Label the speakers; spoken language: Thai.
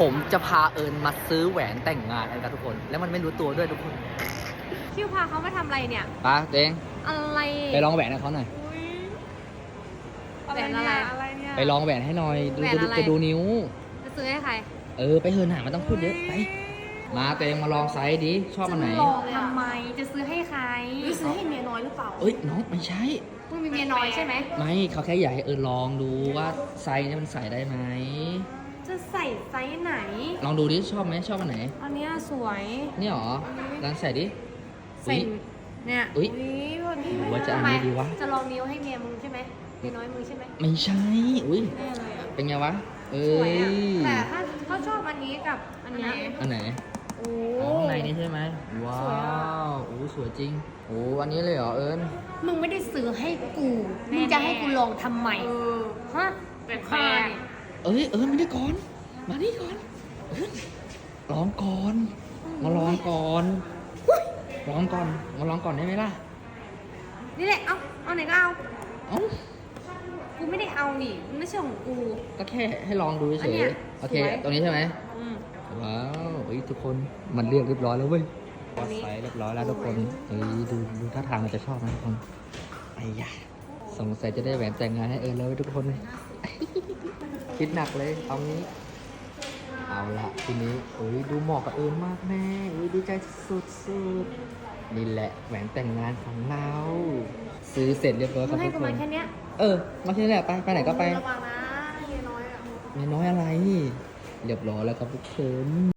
Speaker 1: ผมจะพาเอิญมาซื้อแหวนแต่งงานกันครับทุกคน แล้วมันไม่รู้ตัวด้วยทุกคน
Speaker 2: คิวพาเขามาทำอะไรเนี่ย
Speaker 1: ไปเจง
Speaker 2: อะไร
Speaker 1: ไปลองแหวนให้เขาหน่อย
Speaker 2: แหวนอะไร
Speaker 1: ไปลองแหวนให้หน่อย ดู
Speaker 2: แหวนอะไร
Speaker 1: จะดูนิ้ว
Speaker 2: จะซื้อให้ใคร
Speaker 1: ไปเฮินหามันต้องพูดเยอะ ไป มาเตงมาลองไซส์ดิ ชอบอันไหน
Speaker 2: จะลองทำไม จะซื้อให้ใคร
Speaker 3: ซื้อให้เมียน้อยหรือเปล่า
Speaker 1: เอ้ยน้องไม่ใช่
Speaker 2: มึงมีเมียน้อยใช่ไหม
Speaker 1: ไม่เขาแค่อยากให้เอิญลองดูว่าไซส์นี้มันใส่ได้ไหม
Speaker 2: จะใส่ไซส์ไหน
Speaker 1: ลองดูดิชอบไหมชอบอันไหน
Speaker 2: อันเนี้ยสวย
Speaker 1: นี่หรอลองใส่ดิ
Speaker 2: ใส่เนี่ย
Speaker 1: อุ๊ย
Speaker 2: วันนี้
Speaker 1: หรือว่าจะอันนี้ดีวะ
Speaker 2: จะลองนิ้วให้เมียมึงใช่ไหมเมียน้อยมึงใช่ไหม
Speaker 1: ไม่ใช่ อุ้ย
Speaker 2: แน่เลยอ่ะ
Speaker 1: เป็นไงวะ เอ้
Speaker 2: สวยอ่ะ
Speaker 1: ย
Speaker 2: แต่ถ้าเขาชอบอันนี้กับอันเนี้ย
Speaker 1: อันไหน
Speaker 2: โอ้
Speaker 1: อ๋อข้างในนี่ใช่ไหมว้า
Speaker 2: สวยอะ
Speaker 1: วโอ้สวยจริงโอ้อันนี้เลยเหรอเอิญ
Speaker 2: มึงไม่ได้ซื้อให้กูมึงจะให้กูลองทำไมฮะแปลก
Speaker 1: เอิญมานี่ก่อน มานี่ก่อนเอิญลองก่อน มาลองก่อนลองก่อน มาลองก่อนได้ไหมล่ะ
Speaker 2: นี่แหละ เอาไหนก็เอา
Speaker 1: เอ้า
Speaker 2: กูไม่ได้เอานี่มันไม่ใช่ของกู
Speaker 1: ก็แค่ให้ลองดู
Speaker 2: อั
Speaker 1: เฉ
Speaker 2: นเนี้
Speaker 1: ย
Speaker 2: ย
Speaker 1: ๆโอเค
Speaker 2: สวย
Speaker 1: ตรงนี้ใช่ไหม
Speaker 2: อืม
Speaker 1: ว้าวเฮ้ยทุกคน มันเรียบร้อยแล้วเว้ย
Speaker 2: อั
Speaker 1: วั
Speaker 2: น
Speaker 1: ด
Speaker 2: นี้
Speaker 1: ไซส์เรียบร้อยแล้วทุกคน เฮ้ยดูท่าทางมันจะชอบนะทุกคนไอ้ยะสงสัยจะได้แหวนแต่งงานให้เอิญแล้วเว้ยทุกคน คิดหนักเลย เอางี้ เอาละทีนี้โอ้ยดูเหมาะกับเอิญมากแม่โอ้ยดีใจสุดๆนี่แหละแหวนแต่งงานของเรา ซื้อเสร็จเรียบร้อยค
Speaker 2: มึ
Speaker 1: รับ
Speaker 2: งให้
Speaker 1: ทุก
Speaker 2: กู
Speaker 1: ค
Speaker 2: มาน แค่เนี้ย
Speaker 1: มาที่นี่แหละไปไหนก็ไป
Speaker 2: ระวังนะเมียน้อยอ่ะ
Speaker 1: ไม่น้อยอะไร เรียบร้อยแล้วครับทุกคน